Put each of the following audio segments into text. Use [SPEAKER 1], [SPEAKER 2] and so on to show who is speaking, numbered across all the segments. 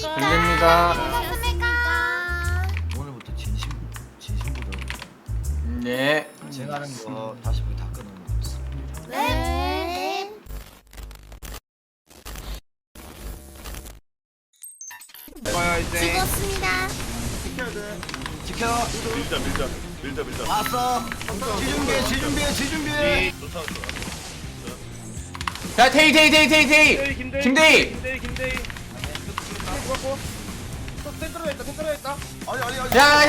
[SPEAKER 1] 들립니다.
[SPEAKER 2] 오늘부터 진심보다
[SPEAKER 1] 네.
[SPEAKER 2] 제가 하는 거 다시 보기 다 끊어놓겠어.
[SPEAKER 3] 네.
[SPEAKER 2] 봐요 이제.
[SPEAKER 3] 찍었습니다.
[SPEAKER 2] 지켜.
[SPEAKER 4] 밀자.
[SPEAKER 2] 왔어. 지준비.
[SPEAKER 1] 자, 테이. 김대희.
[SPEAKER 2] 아니.
[SPEAKER 1] 야,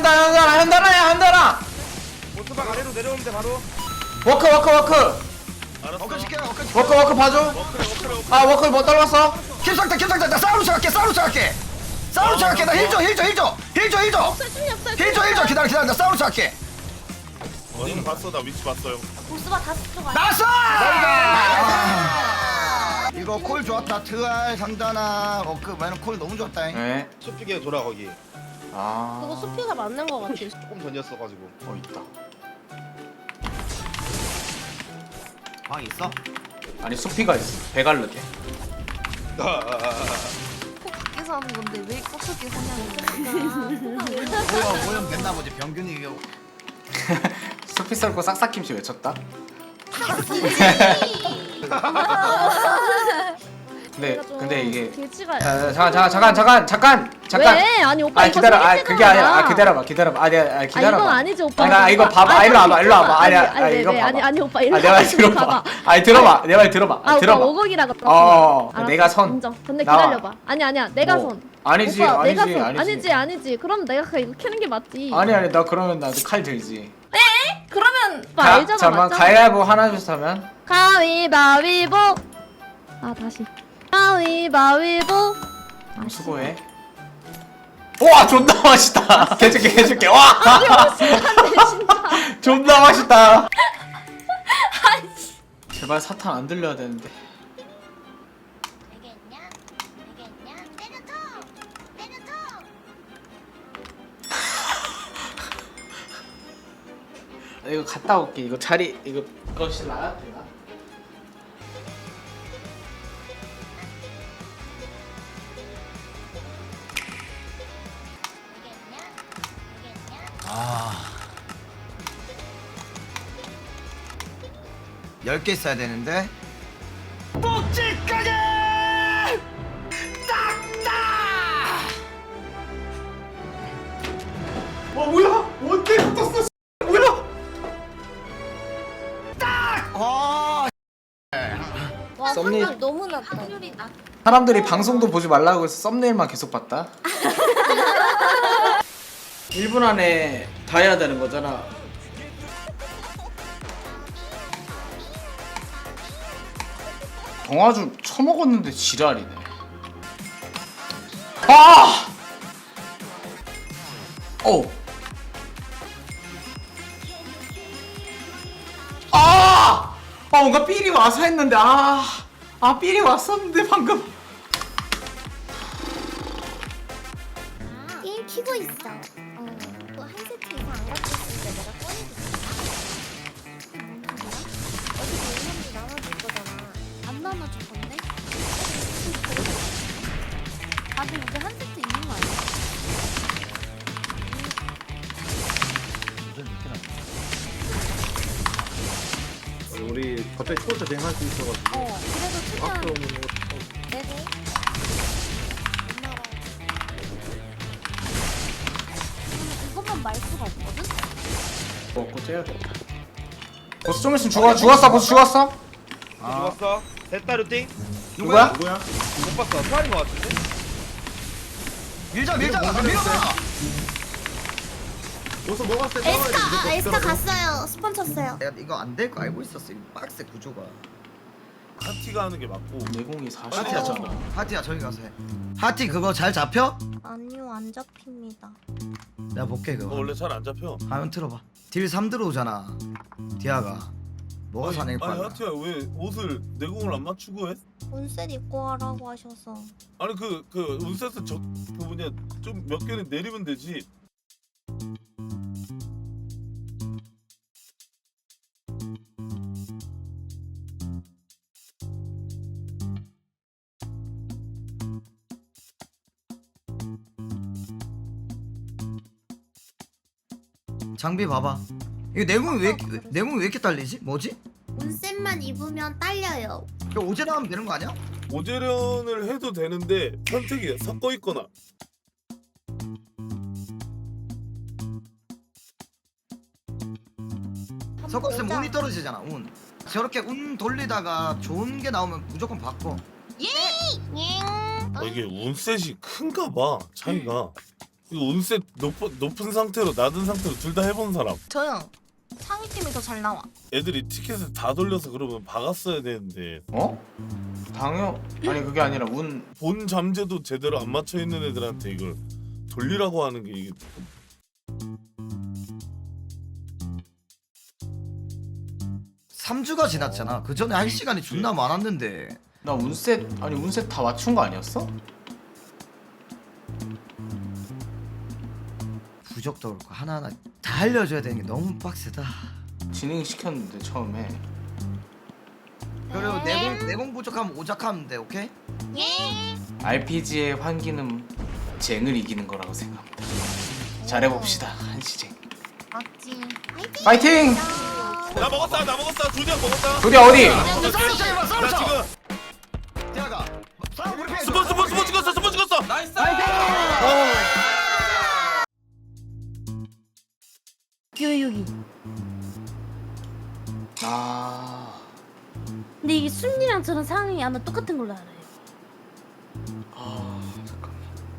[SPEAKER 1] 현달아.
[SPEAKER 4] 모스박 아래로 내려오면 돼 바로.
[SPEAKER 1] 워크.
[SPEAKER 4] 알았어.
[SPEAKER 2] 어깨 시켜.
[SPEAKER 1] 워크 봐줘.
[SPEAKER 4] 워크래.
[SPEAKER 1] 아, 워크 못 떨궜어.
[SPEAKER 2] 킬상타. 나 싸우러 시작할게. 나 힐 줘. 기다려. 나 싸우러 시작할게.
[SPEAKER 4] 어디는 봤어? 나 위치 봤어요.
[SPEAKER 3] 보스바 다섯 쪽
[SPEAKER 2] 나왔어! 이거 콜 좋았다. 트알 상단아. 그 말은 콜 너무 좋았다.
[SPEAKER 1] 네.
[SPEAKER 4] 숲비게 돌아 거기.
[SPEAKER 3] 그거 수피가 맞는 거 같아.
[SPEAKER 4] 조금 전이었어가지고.
[SPEAKER 1] 있다.
[SPEAKER 2] 방 있어?
[SPEAKER 1] 아니, 수피가 있어. 배갈르게.
[SPEAKER 3] 꼭 밖에서 하는 건데 왜 꺾게 하냐고.
[SPEAKER 2] 모형 됐나 보지. 병균이 이거.
[SPEAKER 1] 수피 썰고 싹싹김치 외쳤다. 근데 이게
[SPEAKER 3] 돼지가.
[SPEAKER 1] 잠깐.
[SPEAKER 3] 왜? 아니 오빠
[SPEAKER 1] 아니
[SPEAKER 3] 이거
[SPEAKER 1] 기다려.
[SPEAKER 3] 소개팅
[SPEAKER 1] 그게 아니라.
[SPEAKER 3] 하잖아.
[SPEAKER 1] 기다려봐. 기다려봐.
[SPEAKER 3] 이건 아니지 오빠.
[SPEAKER 1] 이거 봐봐. 일로 와봐. 이거 봐봐.
[SPEAKER 3] 아니 오빠 일로
[SPEAKER 1] 내 말 들어봐. 아니 들어봐. 내 말 들어봐.
[SPEAKER 3] 아 오빠
[SPEAKER 1] 들어봐.
[SPEAKER 3] 오곡이라 그랬어.
[SPEAKER 1] 내가 선.
[SPEAKER 3] 인정. 근데
[SPEAKER 1] 나와.
[SPEAKER 3] 기다려봐. 아니야. 내가
[SPEAKER 1] 뭐.
[SPEAKER 3] 선.
[SPEAKER 1] 아니지.
[SPEAKER 3] 오빠, 내가 선.
[SPEAKER 1] 아니지.
[SPEAKER 3] 아니지. 그럼 내가 이거 캐는 게 맞지.
[SPEAKER 1] 아니 나 그러면 나도 칼 들지.
[SPEAKER 3] 그러면 오빠 알잖아.
[SPEAKER 1] 잠깐만
[SPEAKER 3] 맞잖아.
[SPEAKER 1] 가위바위보 하나 둘 하면.
[SPEAKER 3] 가위바위보. 다시. 가위바위보.
[SPEAKER 1] 수고해. 와 존나 맛있다. 해줄게. 와. 존나 맛있다. 제발 사탄 안 들려야 되는데. 이거 갔다 올게. 이거 자리 이거 거실 나야 되나?
[SPEAKER 2] 아. 10개 써야 되는데. 꼭지까지! 딱딱!
[SPEAKER 1] 뭐야? 원대 붙었어. 뭐야?
[SPEAKER 2] 딱!
[SPEAKER 3] 와
[SPEAKER 1] 썸네일.
[SPEAKER 3] 확률 너무 낮다. 확률이 낮.
[SPEAKER 1] 사람들이 방송도 보지 말라고 해서 썸네일만 계속 봤다. 1분 안에 다 해야 되는 거잖아. 경화주 처먹었는데 지랄이네. 아! 뭔가 삘이 와서 했는데 삘이 왔었는데 방금.
[SPEAKER 3] 게임 키고 있어. 또 한 세트 이상 안 갖고 있으니까 내가 꺼내줄게. 어차피 오늘도 나눠줄 거잖아. 안 나눠줄 건데? 다들 이제 한 세트 있는 거 아니야?
[SPEAKER 4] 우리 갑자기 초보자 대행할 수 있어가지고.
[SPEAKER 3] 그래도
[SPEAKER 4] 앞으로
[SPEAKER 3] 최대한
[SPEAKER 4] 오는 거.
[SPEAKER 3] 내고. 이것만 말 수가 없거든?
[SPEAKER 1] 먹고 째야겠다. 보스 좀 있으면 죽었어. 보스 죽었어.
[SPEAKER 4] 죽었어. 됐다 루팅.
[SPEAKER 1] 누구야?
[SPEAKER 4] 못 봤어. 수아인 거 같은데.
[SPEAKER 2] 밀자. 밀어봐.
[SPEAKER 4] 벌써 먹었을 때.
[SPEAKER 3] 에스카 갔어요. 스폰 쳤어요.
[SPEAKER 2] 내가 이거 안 될 거 알고 있었어. 이 박스 구조가.
[SPEAKER 4] 하티가 하는 게 맞고.
[SPEAKER 1] 내공이
[SPEAKER 2] 하티야
[SPEAKER 1] 40이잖아.
[SPEAKER 2] 하티야 저기 가서 해. 하티 그거 잘 잡혀?
[SPEAKER 3] 아니요, 안 잡힙니다.
[SPEAKER 2] 내가 볼게
[SPEAKER 4] 그거
[SPEAKER 2] 그거.
[SPEAKER 4] 원래 잘 안 잡혀.
[SPEAKER 2] 화면 틀어봐. 딜 3 들어오잖아. 디아가. 뭐가 사낼
[SPEAKER 4] 아니
[SPEAKER 2] 거야?
[SPEAKER 4] 하티야 왜 옷을 내공을 안 맞추고 해?
[SPEAKER 3] 온셋 입고 하라고 하셔서.
[SPEAKER 4] 아니 그 운세스 저 부분이 좀 몇 개는 내리면 되지.
[SPEAKER 2] 장비 봐봐. 이거 내공이 왜 이렇게 딸리지? 뭐지?
[SPEAKER 3] 온셋만 입으면 딸려요.
[SPEAKER 2] 이거 오제 나오면 되는 거 아니야?
[SPEAKER 4] 오제련을 해도 되는데 선택이 섞어 있거나.
[SPEAKER 2] 섞었으면 운이 떨어지잖아. 운. 저렇게 운 돌리다가 좋은 게 나오면 무조건 바꿔.
[SPEAKER 4] 이게 운셋이 큰가 봐 차이가. 이거 운셋 높은 상태로 낮은 상태로 둘 다 해본 사람.
[SPEAKER 5] 저요. 상위 팀이 더 잘 나와.
[SPEAKER 4] 애들이 티켓을 다 돌려서 그러면 박았어야 되는데
[SPEAKER 1] 어? 아니 그게 아니라 운
[SPEAKER 4] 본 잠재도 제대로 안 맞춰 있는 애들한테 이걸 돌리라고 하는 게 이게
[SPEAKER 2] 3주가 지났잖아. 그 전에 할 시간이 존나 많았는데.
[SPEAKER 1] 나 운셋 다 맞춘 거 아니었어?
[SPEAKER 2] 부적도 그렇고 하나하나 다 알려줘야 되는 게 너무 빡세다.
[SPEAKER 1] 진행 시켰는데 처음에.
[SPEAKER 2] 그리고 내공 부족하면 오작하면 돼. 오케이?
[SPEAKER 1] RPG의 환기는 쟁을 이기는 거라고 생각합니다. 잘해봅시다 한시쟁.
[SPEAKER 5] 맞지.
[SPEAKER 1] 파이팅!
[SPEAKER 4] 나 먹었다 조디야 먹었다.
[SPEAKER 1] 조디 어디?
[SPEAKER 2] 싸움 차이봐. 싸움
[SPEAKER 4] 나
[SPEAKER 2] 차.
[SPEAKER 4] 지금
[SPEAKER 2] 대아가 싸움 우리 편.
[SPEAKER 4] 스포 찍었어.
[SPEAKER 6] 나이스.
[SPEAKER 3] 여기.
[SPEAKER 1] 아
[SPEAKER 3] 근데 이게 순이랑 저랑 상황이 아마 똑같은 걸로 알아요.
[SPEAKER 1] 잠깐.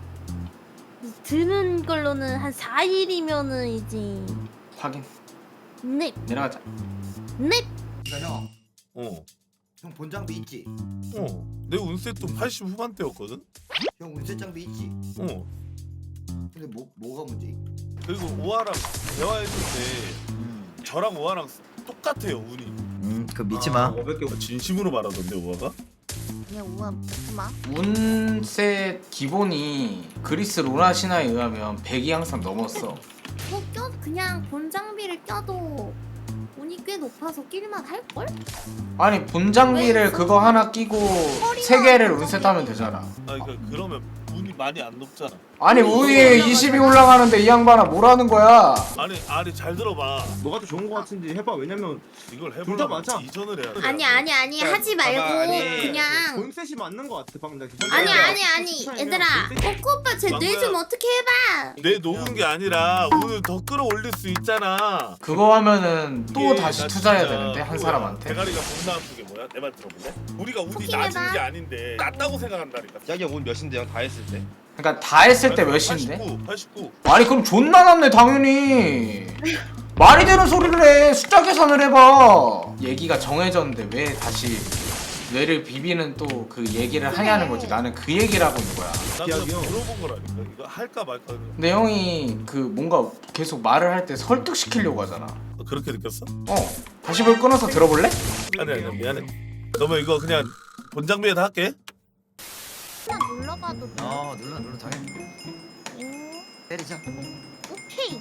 [SPEAKER 3] 드는 걸로는 한 4일이면은 이제
[SPEAKER 1] 확인.
[SPEAKER 3] 넵.
[SPEAKER 1] 내려가자.
[SPEAKER 3] 넵.
[SPEAKER 2] 형
[SPEAKER 4] 어.
[SPEAKER 2] 본장비 있지?
[SPEAKER 4] 내 운셋도 80 후반대였거든.
[SPEAKER 2] 형 운세 장비 있지?
[SPEAKER 4] 어.
[SPEAKER 2] 근데 뭐가 문제?
[SPEAKER 4] 그리고 오아랑 대화했는데 저랑 오아랑 똑같아요 운이.
[SPEAKER 2] 그 믿지 마.
[SPEAKER 4] 진심으로 말하던데 오아가.
[SPEAKER 5] 야 우와 듣지 마.
[SPEAKER 1] 운셋 기본이 그리스 로나 신화에 의하면 100이 항상 넘었어.
[SPEAKER 3] 그냥 본 장비를 껴도 운이 꽤 높아서 낄만 할걸?
[SPEAKER 1] 아니 본장비를 그거 하나 끼고 3개를 운셋하면 되잖아.
[SPEAKER 4] 그러니까 그러면 운이 많이 안 높잖아.
[SPEAKER 1] 아니 우위에 20이 올라가는데 이 양반아 뭐라는 거야?
[SPEAKER 4] 아니 잘 들어봐.
[SPEAKER 6] 너가 더 좋은 거 같은지 해봐. 왜냐면
[SPEAKER 4] 이걸
[SPEAKER 6] 둘다
[SPEAKER 4] 해보려면
[SPEAKER 6] 맞아.
[SPEAKER 4] 이전을 해야 돼.
[SPEAKER 3] 아니 하지 말고
[SPEAKER 6] 아니,
[SPEAKER 3] 그냥
[SPEAKER 6] 본셋이 맞는 거 같아 방금.
[SPEAKER 3] 아니 얘들아 뽀꾸 오빠 제 뇌 좀 어떻게 해봐.
[SPEAKER 4] 내 녹은 게 아니라 운을 더 끌어올릴 수 있잖아.
[SPEAKER 1] 그거 하면은 또
[SPEAKER 4] 이게
[SPEAKER 1] 다시
[SPEAKER 4] 나
[SPEAKER 1] 투자해야
[SPEAKER 4] 진짜
[SPEAKER 1] 되는데 한
[SPEAKER 4] 그거야.
[SPEAKER 1] 사람한테.
[SPEAKER 4] 대가리가 존나 아픈 게 뭐야? 내 말 들어볼래? 우리가 운이
[SPEAKER 3] 토킹해봐.
[SPEAKER 4] 낮은 게 아닌데 낮다고 생각한다니까.
[SPEAKER 7] 자기 운 몇인데 형 다 했을 때?
[SPEAKER 1] 그러니까 다 했을 때 몇인데?
[SPEAKER 4] 89.
[SPEAKER 1] 아니 그럼 존나 남네 당연히. 말이 되는 소리를 해. 숫자 계산을 해봐. 얘기가 정해졌는데 왜 다시 뇌를 비비는 또 그 얘기를 하냐는 거지. 나는 그 얘기를 하고 있는 거야.
[SPEAKER 4] 나 그냥 물어본 거라니까. 이거 할까 말까.
[SPEAKER 1] 근데 형이 그 뭔가 계속 말을 할 때 설득시키려고 하잖아.
[SPEAKER 4] 그렇게 느꼈어?
[SPEAKER 1] 다시 볼 끊어서 들어볼래?
[SPEAKER 4] 아니 미안해. 그러면 이거 그냥 본장비에다 할게.
[SPEAKER 5] 그냥 눌러봐도 돼.
[SPEAKER 2] 눌러 당연히. 때리자.
[SPEAKER 5] 오케이.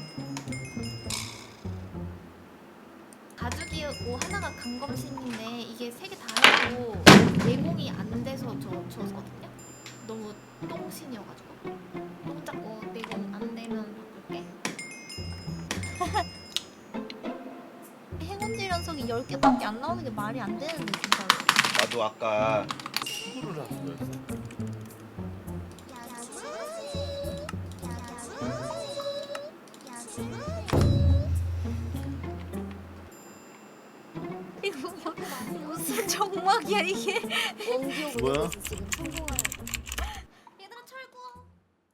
[SPEAKER 5] 가죽이 하나가 강검신인데 이게 3개 다 해도 내공이 안 돼서 줬거든요. 너무 똥신이어가지고. 혼자 내공 안 되면 바꿀게. 행운질 연속이 10개밖에 안 나오는 게 말이 안 되는데 진짜로.
[SPEAKER 7] 나도 아까
[SPEAKER 4] 수구를 하는 거였어.
[SPEAKER 5] 이거 무슨 정막이야 이게?
[SPEAKER 4] 뭐야?
[SPEAKER 5] 얘들아 철구.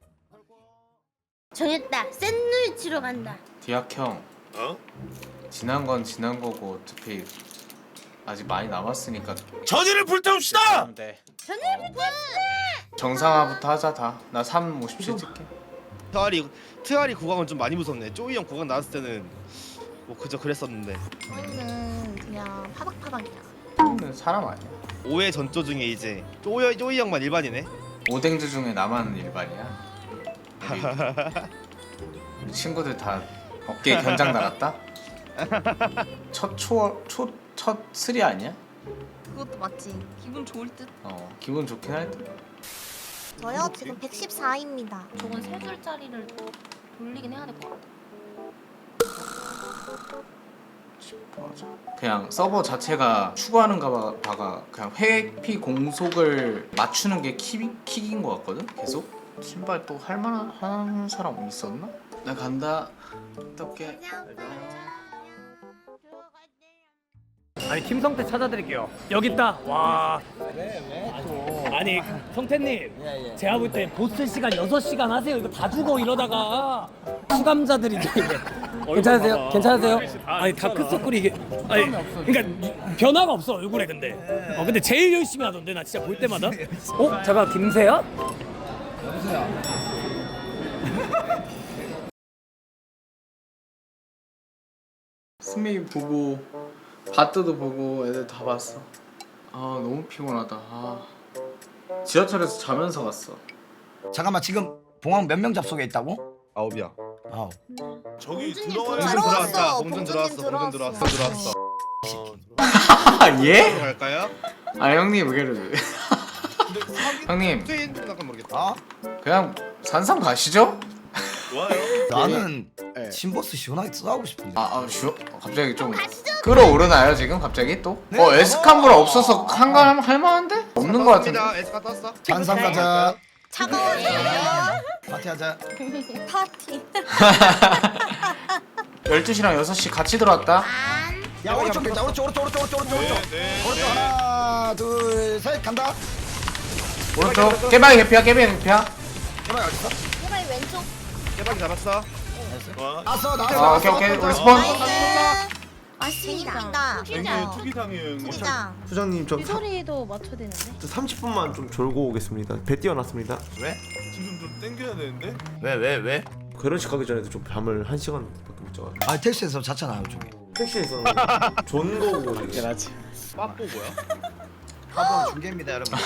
[SPEAKER 3] 정했다. 샌누이 치러 간다.
[SPEAKER 1] 디악 형
[SPEAKER 4] 어?
[SPEAKER 1] 지난 건 지난 거고 어차피 아직 많이 남았으니까
[SPEAKER 4] 전의를 불태웁시다.
[SPEAKER 1] 하면 돼. 정상화부터 하자 다. 나 3, 57 찍게.
[SPEAKER 7] 트아리 구강은 좀 많이 무섭네. 쪼이 형 구강 나왔을 때는 뭐 그저 그랬었는데
[SPEAKER 5] 저희는 그냥 파닥파닥이야.
[SPEAKER 1] 형은 사람 아니야.
[SPEAKER 7] 5회 전조 중에 이제 쪼이 형만 일반이네.
[SPEAKER 1] 오뎅즈 중에 나만 일반이야. 우리 친구들 다 어깨에 견장 나갔다? 첫 스리 아니야?
[SPEAKER 5] 그것도 맞지. 기분 좋을 듯.
[SPEAKER 1] 기분 좋긴 할 듯.
[SPEAKER 5] 저요 지금 114입니다. 저건 3줄짜리를 돌리긴 해야 될 것 같아.
[SPEAKER 1] 맞아. 그냥 서버 자체가 추구하는가 봐가 그냥 회피 공속을 맞추는 게 킥인 것 같거든. 계속 신발 또 할만한 사람 있었나? 나 간다. 어떡해.
[SPEAKER 8] 아니 김성태 찾아드릴게요. 여기 있다. 와. 아니 성태님, 제가 볼 때 보스 시간 6시간 하세요. 이거 다 죽어 이러다가 수감자들이 이제 괜찮으세요? 괜찮으세요? 아니 다크서클이 이게 아니 그러니까 변화가 없어 얼굴에 근데. 근데 제일 열심히 하던데 나 진짜 볼 때마다. 잠깐 김세야?
[SPEAKER 1] 스메이 보고 바트도 보고 애들 다 봤어. 아 너무 피곤하다. 아 지하철에서 자면서 갔어.
[SPEAKER 2] 잠깐만 지금 봉황 몇 명 잡속에 있다고?
[SPEAKER 7] 9이야.
[SPEAKER 2] 아우.
[SPEAKER 4] 저기
[SPEAKER 5] 봉준이
[SPEAKER 4] 들어와야
[SPEAKER 5] 들어왔어.
[SPEAKER 7] 봉준 들어왔어. 들어왔어.
[SPEAKER 1] 아 예?
[SPEAKER 7] 갈까요?
[SPEAKER 1] 아 형님 왜 그래? 형님
[SPEAKER 7] 트윈 약간 모르겠다.
[SPEAKER 2] 어?
[SPEAKER 1] 그냥 산삼 가시죠?
[SPEAKER 4] 좋아요.
[SPEAKER 2] 나는
[SPEAKER 1] 네.
[SPEAKER 2] 신보스 시원하게 싸우고 싶은데.
[SPEAKER 1] 쉬워? 갑자기 좀 끌어오르나요 지금 갑자기 또?
[SPEAKER 2] 네.
[SPEAKER 1] 에스카무라 없어서 한가 할만한데? 없는 거 같은데?
[SPEAKER 7] 에스카 떴어.
[SPEAKER 2] 잔삼 가자.
[SPEAKER 5] 차가워져요.
[SPEAKER 2] 파티하자.
[SPEAKER 5] 파티.
[SPEAKER 1] 12시랑 6시 같이 들어왔다.
[SPEAKER 2] 야 오른쪽 밀자. 오른쪽.
[SPEAKER 4] 네.
[SPEAKER 2] 오른쪽 하나 둘 셋 간다.
[SPEAKER 1] 오른쪽 깨방이 개피야 깨방이 개피야.
[SPEAKER 2] 해봐 어딨어?
[SPEAKER 5] 제발 왼쪽.
[SPEAKER 7] 깨박이 잡았어.
[SPEAKER 4] 와.
[SPEAKER 2] 나왔어.
[SPEAKER 1] 오케이 우리 스폰.
[SPEAKER 5] 맞습니다.
[SPEAKER 4] 앵기 투기상이에요 형님.
[SPEAKER 5] 투기장.
[SPEAKER 6] 부장님 저
[SPEAKER 5] 소리도 맞춰야 되는데.
[SPEAKER 6] 30분만 좀 졸고 오겠습니다. 배 띄워놨습니다.
[SPEAKER 2] 왜?
[SPEAKER 4] 지금 좀 땡겨야 되는데.
[SPEAKER 2] 왜?
[SPEAKER 6] 결혼식 가기 전에도 좀 밤을 1시간밖에 못 자가지고
[SPEAKER 2] 아 택시에서 잤잖아요 저기.
[SPEAKER 6] 택시에서 존 거고 이게
[SPEAKER 7] 빠뽀 뭐야?
[SPEAKER 2] 화보 중계입니다 여러분.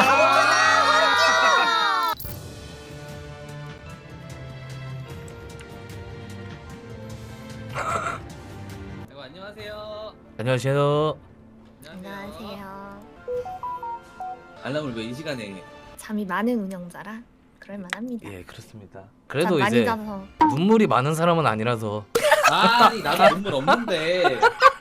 [SPEAKER 8] 안녕하세요.
[SPEAKER 3] 안녕하세요.
[SPEAKER 9] 알람을 왜 이 시간에?
[SPEAKER 3] 잠이 많은 운영자라 그럴만합니다.
[SPEAKER 8] 예 그렇습니다.
[SPEAKER 3] 잠
[SPEAKER 8] 그래도
[SPEAKER 3] 많이
[SPEAKER 8] 이제
[SPEAKER 3] 자서
[SPEAKER 8] 눈물이 많은 사람은 아니라서.
[SPEAKER 9] 아니 나도 눈물 없는데.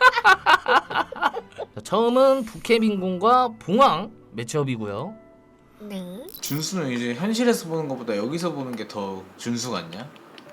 [SPEAKER 8] 자, 처음은 부캐민군과 봉황 매치업이고요.
[SPEAKER 3] 네.
[SPEAKER 1] 준수는 이제 현실에서 보는 것보다 여기서 보는 게 더 준수 같냐?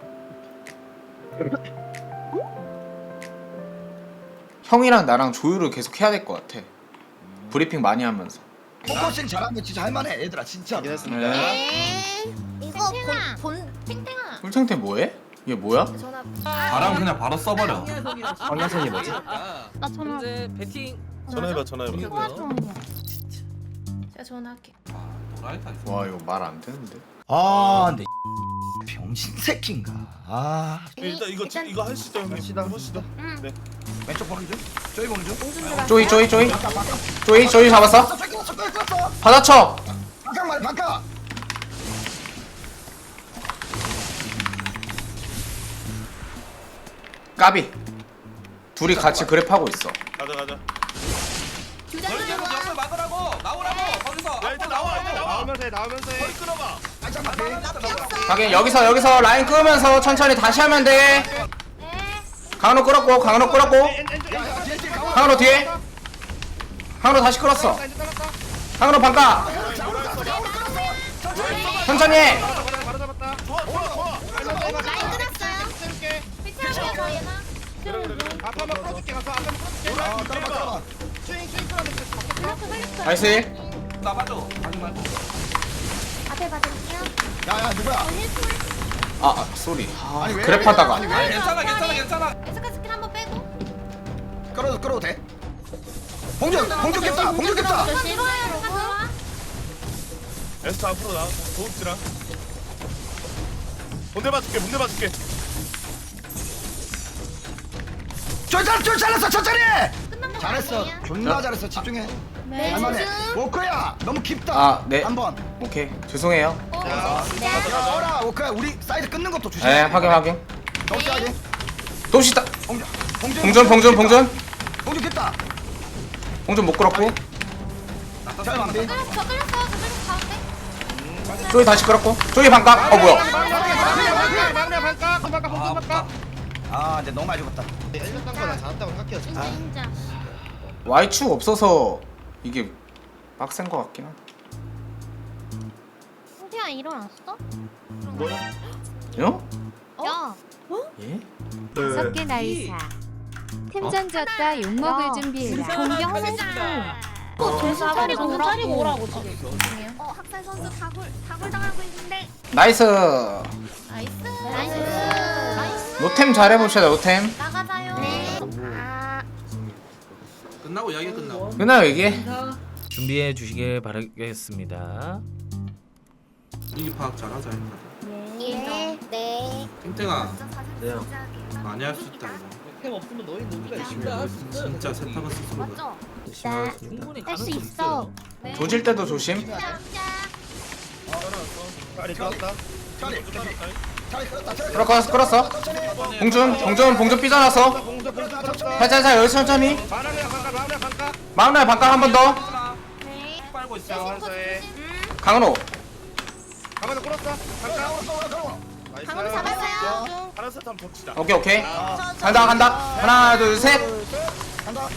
[SPEAKER 1] 형이랑 나랑 조율을 계속 해야 될 것 같아. 브리핑 많이 하면서.
[SPEAKER 2] 포커싱 잘하면 진짜 할만해 얘들아 진짜.
[SPEAKER 7] 확인했습니다.
[SPEAKER 5] 이거 본 탱탱아.
[SPEAKER 1] 꿀탱탱 뭐해? 이게 뭐야?
[SPEAKER 3] 전화
[SPEAKER 10] 바람 그냥 바로 써버려.
[SPEAKER 9] 방향선이 뭐지?
[SPEAKER 5] 나 전화.
[SPEAKER 8] 현재 배팅.
[SPEAKER 4] 전화해봐.
[SPEAKER 3] 제가 전화할게.
[SPEAKER 1] 와 이거 말 안 되는데.
[SPEAKER 2] 아 근데 병신 새끼인가. 아
[SPEAKER 4] 일단 이거 하시죠 형님. 해보시죠. 네.
[SPEAKER 2] 왼쪽 보는 중. 저기 보는 중.
[SPEAKER 1] 쪼이 잡았어? 받아쳐.
[SPEAKER 2] 반각 말해 반각.
[SPEAKER 1] 까비. 둘이 같이 그랩하고 있어.
[SPEAKER 4] 가자.
[SPEAKER 9] 옆을 막으라고 나오라고 거기서
[SPEAKER 4] 야 일단 나와.
[SPEAKER 7] 나오면서 해.
[SPEAKER 4] 끌어봐.
[SPEAKER 2] 반짝 맞게.
[SPEAKER 1] 하긴 여기서 라인 끄면서 천천히 다시 하면 돼. 강로 끌었고 강로 뒤에. 강로 다시 끌었어. 강로 반가. 천천히 해.
[SPEAKER 7] 바로 잡았다.
[SPEAKER 4] 좋아.
[SPEAKER 5] 라인 끊었어요. 피치하게 더 얘나.
[SPEAKER 7] 앞에 한번 풀어줄게. 가서 앞에 한번 풀어줄게.
[SPEAKER 2] 따라봐.
[SPEAKER 7] 스윙 풀어줄게.
[SPEAKER 1] 나이스.
[SPEAKER 9] 나봐줘. 아니 말고.
[SPEAKER 3] 앞에 받을게요.
[SPEAKER 2] 야야 누구야?
[SPEAKER 1] 아 쏘리.
[SPEAKER 2] 아니, 왜?
[SPEAKER 1] 그랩하다가.
[SPEAKER 2] 아니, 왜?
[SPEAKER 9] 아니 괜찮아.
[SPEAKER 3] 에스카 스킬 한번 빼고.
[SPEAKER 2] 끌어도 돼. 봉준 깼다.
[SPEAKER 3] 들어와요. 들어와.
[SPEAKER 4] 에스트 앞으로 나. 도읍지랑. 본대 봐줄게.
[SPEAKER 2] 쫄 잘했어 천천히.
[SPEAKER 3] 끝난 거
[SPEAKER 2] 잘했어.
[SPEAKER 3] 아니에요?
[SPEAKER 2] 존나 잘했어 집중해.
[SPEAKER 3] 네.
[SPEAKER 2] 할만해. 워커야 너무 깊다.
[SPEAKER 1] 아, 네.
[SPEAKER 2] 한번.
[SPEAKER 1] 오케이 죄송해요.
[SPEAKER 2] 야 어라 워커야 우리 사이드 끊는 것도 조심해.
[SPEAKER 1] 네 확인.
[SPEAKER 2] 덕시하게.
[SPEAKER 1] 도시다.
[SPEAKER 2] 봉준
[SPEAKER 1] 봉준
[SPEAKER 2] 깼다.
[SPEAKER 1] 봉준 못 끌었고.
[SPEAKER 2] 잘 만비.
[SPEAKER 3] 저 끌렸어요. 가운데.
[SPEAKER 1] 쪼이 다시 끌었고. 쪼이 반각. 뭐야?
[SPEAKER 7] 막내 반가.
[SPEAKER 2] 아 근데 너무 많이 죽었다.
[SPEAKER 7] 1년 딴 거나 잘한다고 생각해요.
[SPEAKER 5] 인자 인자.
[SPEAKER 1] Y축 없어서 이게 빡센 거 같긴 하다.
[SPEAKER 5] 성태야 일어났어?
[SPEAKER 1] 요?
[SPEAKER 5] 야.
[SPEAKER 1] 예?
[SPEAKER 11] 5개 나이사. 템전 졌다 욕먹을 준비해라.
[SPEAKER 5] 공경했어. 정신 차리고 오라고 지금.
[SPEAKER 3] 학살 선수 다굴 당하고 있는데.
[SPEAKER 1] 나이스.
[SPEAKER 5] 나이스.
[SPEAKER 3] 나이스.
[SPEAKER 1] 노템 잘해봅시다 노템.
[SPEAKER 3] 나가자요. 아.
[SPEAKER 9] 끝나고 이야기 끝나고.
[SPEAKER 1] 끝나요 이게?
[SPEAKER 8] 준비해 주시길 바라겠습니다.
[SPEAKER 10] 분위기 파악 잘하자 했나.
[SPEAKER 3] 네. 네.
[SPEAKER 10] 탱탱아
[SPEAKER 6] 네.
[SPEAKER 10] 많이 할 수 있다.
[SPEAKER 8] 템 없으면 너희 누구가
[SPEAKER 10] 진짜 세탁을 스스로.
[SPEAKER 3] 맞죠?
[SPEAKER 6] 열심히 하겠습니다.
[SPEAKER 8] 충분히
[SPEAKER 5] 할 수 있어.
[SPEAKER 1] 조질 때도 조심.
[SPEAKER 7] 빨리 떴다.
[SPEAKER 2] 차리 끌었다.
[SPEAKER 1] 끌었어. 봉준 삐져나서.
[SPEAKER 7] 공조 떴다.
[SPEAKER 1] 살살 여기 천천히.
[SPEAKER 7] 바람이야 반가.
[SPEAKER 1] 마음날 반각 한 번 더.
[SPEAKER 3] 네.
[SPEAKER 9] 빨고 있어.
[SPEAKER 7] 알았어해.
[SPEAKER 1] 강은호.
[SPEAKER 7] 가만히 끌었어. 반가.
[SPEAKER 3] 방금 잡았어요.
[SPEAKER 7] 하나 세트 한번 더 치자.
[SPEAKER 1] 오케이. 간다. 하나 둘 셋.
[SPEAKER 2] 간다.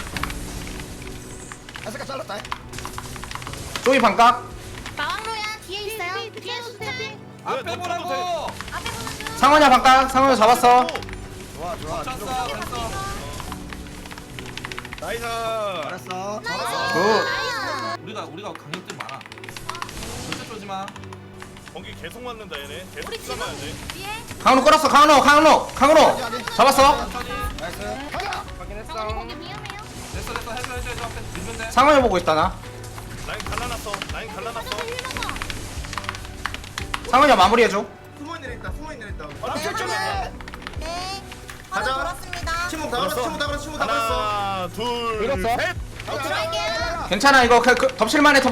[SPEAKER 2] 아스카 잘랐다.
[SPEAKER 1] 쪼이 반각.
[SPEAKER 3] 마왕로야 뒤에 있어요. 뒤에 수세요.
[SPEAKER 9] 앞에 보라고.
[SPEAKER 1] 상원이야 반각. 상원이 잡았어.
[SPEAKER 2] 좋아.
[SPEAKER 9] 쳤어. 됐어.
[SPEAKER 7] 나이스.
[SPEAKER 2] 알았어.
[SPEAKER 1] 굿.
[SPEAKER 9] 우리가 강력들 많아. 절대 쏘지 마.
[SPEAKER 4] 번개 계속 맞는다 얘네. 계속 싸봐야 돼.
[SPEAKER 1] 강은호 끌었어. 강은호. 잡았어.
[SPEAKER 2] 나이스. 가자.
[SPEAKER 7] 확인했어.
[SPEAKER 3] 거기 위험해요.
[SPEAKER 9] 됐어. 해줘. 앞에 밀면 돼.
[SPEAKER 1] 상원이 보고 있다 나.
[SPEAKER 4] 라인 갈라놨어.
[SPEAKER 1] 상원이야 마무리해줘.
[SPEAKER 2] 숨어 있는 애 있다.
[SPEAKER 7] 아,
[SPEAKER 2] 네.
[SPEAKER 5] 네.
[SPEAKER 2] 가자.
[SPEAKER 5] 돌았습니다.
[SPEAKER 2] 침묵 다 걸었어. 침묵 다 걸었어.
[SPEAKER 4] 하나, 둘,
[SPEAKER 7] 밀었어?
[SPEAKER 4] 셋.
[SPEAKER 1] 괜찮아 이거 덮칠만해.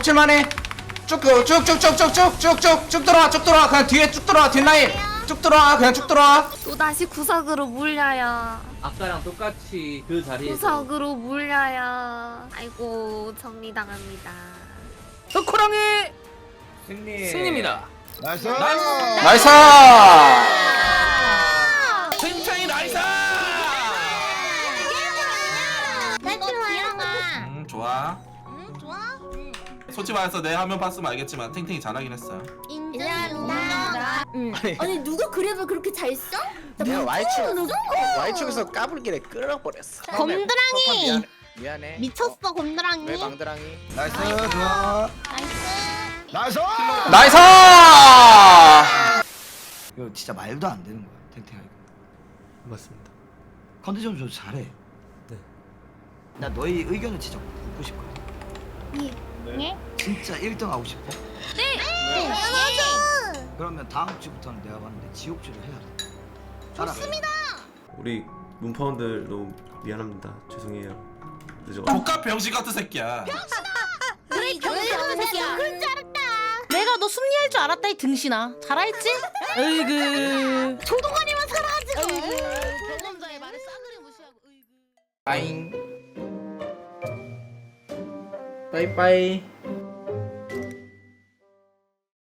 [SPEAKER 1] 쭉 들어와. 그냥 뒤에 쭉 들어와. 뒷라인. 쭉 들어와.
[SPEAKER 3] 또 다시 구석으로 물려요.
[SPEAKER 8] 아까랑 똑같이 그 자리에
[SPEAKER 3] 구석으로 물려요. 아이고 정리당합니다.
[SPEAKER 8] 흑호랑이 승리입니다.
[SPEAKER 2] 나이스.
[SPEAKER 1] 나이스.
[SPEAKER 9] 탱탱이 나이스.
[SPEAKER 5] 나 좋아.
[SPEAKER 9] 좋아.
[SPEAKER 5] 좋아.
[SPEAKER 9] 솔직히 말해서 내 화면 봤으면 알겠지만 탱탱이 잘하긴 했어요.
[SPEAKER 5] 인정합니다.
[SPEAKER 3] 아니 누가 그래도 그렇게 잘 써?
[SPEAKER 12] 내가 Y축에서 까불길래 끌어버렸어.
[SPEAKER 5] 곰드랑이.
[SPEAKER 12] 미안해.
[SPEAKER 5] 미쳤어 곰드랑이.
[SPEAKER 12] 왜 망드랑이?
[SPEAKER 2] 나이스. 좋아.
[SPEAKER 5] 나이스.
[SPEAKER 2] 나이스.
[SPEAKER 1] 나이스.
[SPEAKER 2] 이거 진짜 말도 안 되는 거야. 탱탱아 이거.
[SPEAKER 6] 맞습니다.
[SPEAKER 2] 컨디션 좀 잘해.
[SPEAKER 6] 네.
[SPEAKER 2] 나 너희 의견을 진짜 묻고 싶거든.
[SPEAKER 5] 네?
[SPEAKER 2] 진짜 1등 하고 싶어?
[SPEAKER 5] 네.
[SPEAKER 2] 그러면 다음 주부터는 내가 봤는데 지옥주를 해야 돼. 좋습니다.
[SPEAKER 6] 우리 문파원들 너무 미안합니다. 죄송해요. 늦어.
[SPEAKER 9] 조카 병신 같은 새끼야.
[SPEAKER 5] 그래 그런 새끼야. 그런 줄 알았다. 내가 너 승리할 줄 알았다 이 등신아. 잘알지?
[SPEAKER 8] 으이그.
[SPEAKER 5] 조동아리만 살아가지고. 경험자의 말을 싸그리 무시하고.
[SPEAKER 1] 빠잉. 빠이빠이.